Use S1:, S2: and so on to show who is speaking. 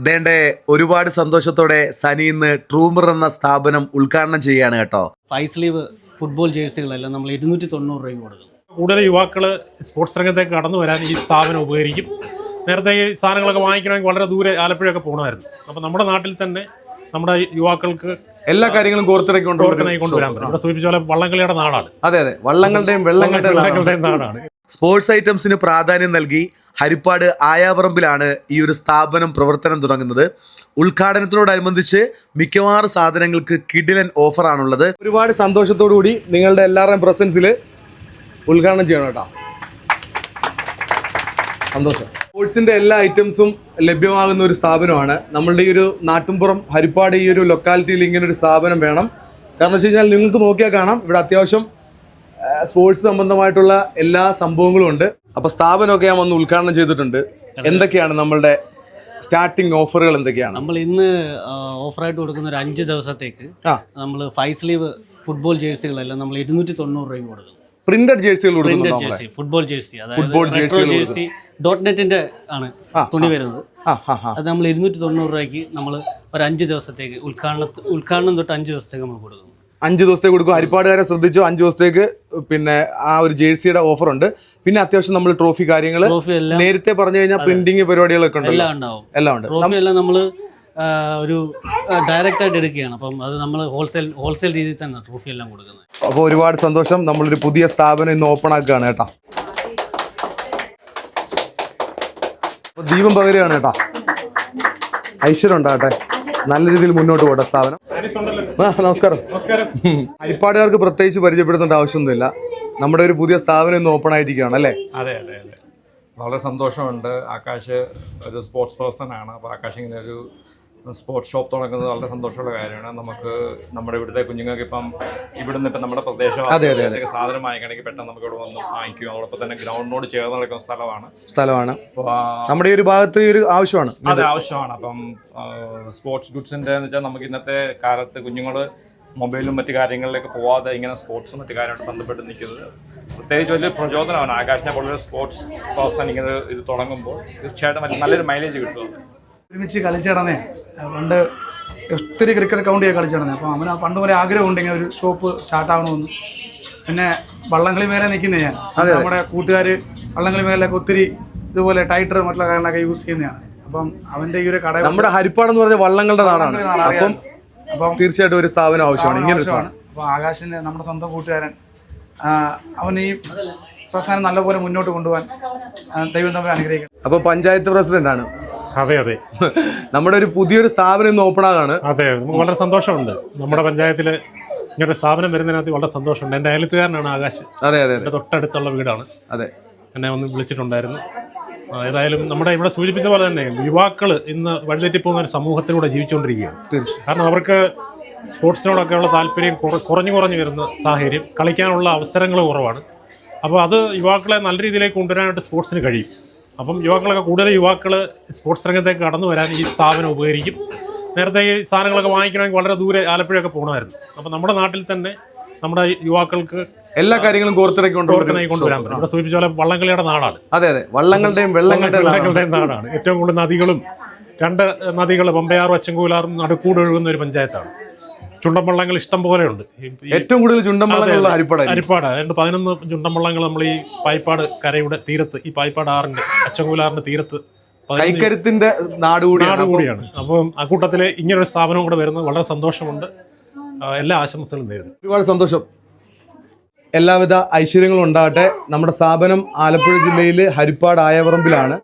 S1: ദേണ്ടേ ഒരുപാട് സന്തോഷത്തോടെ സനി ഇന്ന് ട്രൂമർ എന്ന സ്ഥാപനം ഉദ്ഘാടനം ചെയ്യുകയാണ് കേട്ടോ.
S2: 5 സ്ലീവ് ഫുട്ബോൾ ജേഴ്സികളെല്ലാം നമ്മൾ 290 രൂപ കൊടുക്കും.
S3: കൂടുതൽ യുവാക്കൾ സ്പോർട്സ് രംഗത്തേക്ക് കടന്നു വരാൻ ഈ സ്ഥാപനം ഉപകരിക്കും. നേരത്തെ ഈ സാധനങ്ങളൊക്കെ വാങ്ങിക്കണമെങ്കിൽ വളരെ ദൂരെ ആലപ്പുഴയൊക്കെ പോകണമായിരുന്നു. അപ്പോൾ നമ്മുടെ നാട്ടിൽ തന്നെ നമ്മുടെ യുവാക്കൾക്ക്
S1: എല്ലാ കാര്യങ്ങളും
S3: കോർത്തിണക്കി കൊണ്ടുവരാൻ പറ്റും. ഇവിടെ സൂചിപ്പിച്ച പോലെ വള്ളംകളിയുടെ നാടാണ്.
S1: അതെ അതെ, വള്ളങ്ങളുടെയും വെള്ളങ്ങളുടെയും
S3: നാടാണ്.
S1: സ്പോർട്സ് ഐറ്റംസിന് പ്രാധാന്യം നൽകി ഹരിപ്പാട് ആയാവറമ്പിലാണ് ഈ ഒരു സ്ഥാപനം പ്രവർത്തനം തുടങ്ങുന്നത്. ഉദ്ഘാടനത്തോടനുബന്ധിച്ച് മിക്കവാറും സാധനങ്ങൾക്ക് കിടിലൻ ഓഫറാണുള്ളത്. ഒരുപാട് സന്തോഷത്തോടു കൂടി നിങ്ങളുടെ എല്ലാവരുടെയും പ്രസൻസിൽ ഉദ്ഘാടനം ചെയ്യണം കേട്ടോ. സന്തോഷം. സ്പോർട്സിന്റെ എല്ലാ ഐറ്റംസും ലഭ്യമാകുന്ന ഒരു സ്ഥാപനമാണ്. നമ്മളുടെ ഈ ഒരു നാട്ടുംപുറം ഹരിപ്പാട് ഈ ഒരു ലൊക്കാലിറ്റിയിൽ ഇങ്ങനെ ഒരു സ്ഥാപനം വേണം. കാരണം വെച്ച് കഴിഞ്ഞാൽ നിങ്ങൾക്ക് നോക്കിയാൽ കാണാം ഇവിടെ അത്യാവശ്യം സ്പോർട്സ് സംബന്ധമായിട്ടുള്ള എല്ലാ സംഭവങ്ങളും ഉണ്ട്. അപ്പൊ സ്ഥാപനമൊക്കെ ഞാൻ വന്ന് ഉദ്ഘാടനം ചെയ്തിട്ടുണ്ട്. എന്തൊക്കെയാണ് നമ്മളുടെ സ്റ്റാർട്ടിംഗ് ഓഫറുകൾ എന്തൊക്കെയാണ്?
S2: നമ്മൾ ഇന്ന് ഓഫറായിട്ട് കൊടുക്കുന്ന ഒരു 5 ദിവസത്തേക്ക് നമ്മൾ 5 സ്ലീവ് ഫുട്ബോൾ ജേഴ്സികളെല്ലാം നമ്മൾ 290 രൂപ കൊടുക്കും.
S1: പ്രിന്റഡ് ജേഴ്സികൾ
S2: ഫുട്ബോൾ ജേഴ്സി ജേഴ്സി .നെറ്റിന്റെ ആണ് തുണി വരുന്നത്. അത് നമ്മൾ 290 രൂപയ്ക്ക് നമ്മൾ ഒരു 5 ദിവസത്തേക്ക് ഉദ്ഘാടനം തൊട്ട് 5 ദിവസത്തേക്ക് നമ്മൾ കൊടുക്കും.
S1: 5 ദിവസത്തേക്ക് കൊടുക്കും. ഹരിപ്പാടുകാരെ ശ്രദ്ധിച്ചു, 5 ദിവസത്തേക്ക് പിന്നെ ആ ഒരു ജേഴ്സിയുടെ ഓഫർ ഉണ്ട്. പിന്നെ അത്യാവശ്യം നമ്മൾ ട്രോഫി കാര്യങ്ങൾ നേരത്തെ പറഞ്ഞു കഴിഞ്ഞാൽ പ്രിന്റിങ് പരിപാടികളൊക്കെ ഉണ്ട്, എല്ലാം ഉണ്ട്.
S2: ട്രോഫി എല്ലാം നമ്മൾ ഒരു ഡയറക്റ്റ് ആയിട്ട് എടുക്കുകയാണ്. അപ്പം അത് നമ്മൾ ഹോൾസെയിൽ രീതിയിൽ തന്നെ ട്രോഫി എല്ലാം കൊടുക്കുന്നത്.
S1: അപ്പോൾ ഒരുപാട് സന്തോഷം. നമ്മളൊരു പുതിയ സ്ഥാപനം ഇന്ന് ഓപ്പൺ ആക്കുകയാണ് കേട്ടോ. ദീപം പകരുകയാണ് കേട്ടോ. ഐശ്വര്യം ഉണ്ടാകട്ടെ, നല്ല രീതിയിൽ മുന്നോട്ട് പോട്ടെ സ്ഥാപനം. നമസ്കാരം. ഹരിപ്പാടുകാർക്ക് പ്രത്യേകിച്ച് പരിചയപ്പെടുത്തേണ്ട ആവശ്യമൊന്നുമില്ല. നമ്മുടെ ഒരു പുതിയ സ്ഥാപനം ഇന്ന് ഓപ്പൺ ആയിരിക്കുകയാണ് അല്ലേ?
S4: അതെ അതെ അതെ, വളരെ സന്തോഷമുണ്ട്. ആകാശ് ഒരു സ്പോർട്സ് പേഴ്സൺ ആണ്. അപ്പോൾ ആകാശ് ഇങ്ങനെ ഒരു സ്പോർട്സ് ഷോപ്പ് തുടങ്ങുന്നത് വളരെ സന്തോഷമുള്ള കാര്യമാണ്. നമുക്ക് നമ്മുടെ ഇവിടുത്തെ കുഞ്ഞുങ്ങൾക്ക് ഇപ്പം ഇവിടുന്ന് ഇപ്പം നമ്മുടെ പ്രദേശം സാധനം വാങ്ങിക്കണമെങ്കിൽ പെട്ടെന്ന് നമുക്ക് ഇവിടെ വന്ന് വാങ്ങിക്കും. അതോടൊപ്പം തന്നെ ഗ്രൗണ്ടിനോട് ചേർന്ന് നടക്കുന്ന സ്ഥലമാണ്.
S1: നമ്മുടെ ഈ ഒരു ഭാഗത്ത് ഒരു ആവശ്യമാണ്.
S4: അതെ, ആവശ്യമാണ്. അപ്പം സ്പോർട്സ് ഗുഡ്സിൻ്റെ എന്ന് വെച്ചാൽ നമുക്ക് ഇന്നത്തെ കാലത്ത് കുഞ്ഞുങ്ങൾ മൊബൈലും മറ്റു കാര്യങ്ങളിലേക്ക് പോവാതെ ഇങ്ങനെ സ്പോർട്സും മറ്റു കാര്യമായിട്ട് ബന്ധപ്പെട്ട് നിൽക്കുന്നത് പ്രത്യേകിച്ച് വലിയ പ്രചോദനമാണ്. ആകാശിനെ പോലൊരു സ്പോർട്സ് പേഴ്സൺ ഇങ്ങനെ ഇത് തുടങ്ങുമ്പോൾ തീർച്ചയായിട്ടും നല്ലൊരു മൈലേജ് കിട്ടും.
S5: ഒരുമിച്ച് കളിച്ചു കിടന്നേ പണ്ട് ഒത്തിരി ക്രിക്കറ്റ് കൗണ്ടിയൊക്കെ കളിച്ചു കിടന്നേ. അപ്പോൾ അവന് പണ്ട് പോലെ ആഗ്രഹമുണ്ട് ഇങ്ങനെ ഒരു ഷോപ്പ് സ്റ്റാർട്ടാകണമെന്ന്. പിന്നെ വള്ളംകളി മേലെ നിൽക്കുന്നത് ഞാൻ. നമ്മുടെ കൂട്ടുകാർ വള്ളംകളി മേലൊക്കെ ഒത്തിരി ഇതുപോലെ ടൈറ്റർ മറ്റുള്ള കാര്യങ്ങളൊക്കെ യൂസ് ചെയ്യുന്നതാണ്. അപ്പം അവൻ്റെ ഈ ഒരു കട
S1: നമ്മുടെ ഹരിപ്പാട് എന്ന് പറഞ്ഞ വള്ളങ്ങളുടെ നാടാണ്. അപ്പം തീർച്ചയായിട്ടും ഒരു സ്ഥാപനം ആവശ്യമാണ്. ഇങ്ങനെ
S5: അപ്പോൾ ആകാശിൻ്റെ നമ്മുടെ സ്വന്തം കൂട്ടുകാരൻ അവൻ ഈ പ്രസ്ഥാനം നല്ലപോലെ മുന്നോട്ട് കൊണ്ടുപോകാൻ ദൈവം തമ്മിൽ അനുഗ്രഹിക്കണം.
S1: അപ്പോൾ പഞ്ചായത്ത് പ്രസിഡന്റ് ആണ്.
S3: അതെ അതെ,
S1: നമ്മുടെ ഒരു പുതിയൊരു സ്ഥാപനം ഇന്ന് ഓപ്പൺ ആകാണ്.
S3: അതെ, വളരെ സന്തോഷമുണ്ട്. നമ്മുടെ പഞ്ചായത്തിൽ ഇങ്ങനൊരു സ്ഥാപനം വരുന്നതിനകത്ത് വളരെ സന്തോഷമുണ്ട്. എൻ്റെ അയലത്തുകാരനാണ് ആകാശ്.
S1: അതെ അതെ,
S3: എൻ്റെ തൊട്ടടുത്തുള്ള വീടാണ്.
S1: അതെ,
S3: എന്നെ ഒന്ന് വിളിച്ചിട്ടുണ്ടായിരുന്നു. ഏതായാലും നമ്മുടെ ഇവിടെ സൂചിപ്പിച്ച പോലെ തന്നെ യുവാക്കൾ ഇന്ന് വഴിതെറ്റിപ്പോകുന്ന ഒരു സമൂഹത്തിലൂടെ ജീവിച്ചുകൊണ്ടിരിക്കുകയാണ്. കാരണം അവർക്ക് സ്പോർട്സിനോടൊക്കെയുള്ള താല്പര്യം കുറഞ്ഞു വരുന്ന സാഹചര്യം, കളിക്കാനുള്ള അവസരങ്ങൾ കുറവാണ്. അപ്പോൾ അത് യുവാക്കളെ നല്ല രീതിയിലേക്ക് കൊണ്ടുവരാനായിട്ട് സ്പോർട്സിന് കഴിയും. അപ്പം കൂടുതൽ യുവാക്കൾ സ്പോർട്സ് രംഗത്തേക്ക് കടന്നു വരാൻ ഈ സ്ഥാപനം ഉപകരിക്കും. നേരത്തെ ഈ സാധനങ്ങളൊക്കെ വാങ്ങിക്കണമെങ്കിൽ വളരെ ദൂരെ ആലപ്പുഴയൊക്കെ പോകണമായിരുന്നു. അപ്പോൾ നമ്മുടെ നാട്ടിൽ തന്നെ നമ്മുടെ യുവാക്കൾക്ക്
S1: എല്ലാ കാര്യങ്ങളും കോർത്തിണക്കി
S3: കൊണ്ടുവരാൻ പറ്റും. ഇവിടെ സൂചിപ്പിച്ച പോലെ വള്ളംകളിയുടെ നാടാണ്.
S1: അതെ അതെ, വള്ളങ്ങളുടെയും
S3: വെള്ളങ്ങളുടെയും നാടാണ്. ഏറ്റവും കൂടുതൽ നദികളും 2 നദികൾ പമ്പയാറും അച്ചൻകോലാറും നടുക്കൂട് ഒഴുകുന്ന ഒരു പഞ്ചായത്താണ്. ചുണ്ടൻവള്ളങ്ങൾ ഇഷ്ടം പോലെയുണ്ട്.
S1: ഏറ്റവും കൂടുതൽ ചുണ്ടൻവള്ളങ്ങളുള്ള ഹരിപ്പാട്.
S3: 11 ചുണ്ടൻവള്ളങ്ങൾ നമ്മൾ ഈ പായിപ്പാട് കരയുടെ തീരത്ത്, ഈ പായിപ്പാട് ആറിന്റെ അച്ചൻകോലാറിന്റെ തീരത്ത്
S1: കൈക്കരുത്തിന്റെ നാട് കൂടിയാണ്.
S3: അപ്പം അക്കൂട്ടത്തിൽ ഇങ്ങനൊരു സ്ഥാപനം കൂടെ വരുന്നത് വളരെ സന്തോഷമുണ്ട്. എല്ലാ ആശംസകളും നേരുന്നു.
S1: ഒരുപാട് സന്തോഷം. എല്ലാവിധ ഐശ്വര്യങ്ങളും ഉണ്ടാകട്ടെ. നമ്മുടെ സ്ഥാപനം ആലപ്പുഴ ജില്ലയിൽ ഹരിപ്പാട് ആയവറമ്പിലാണ്.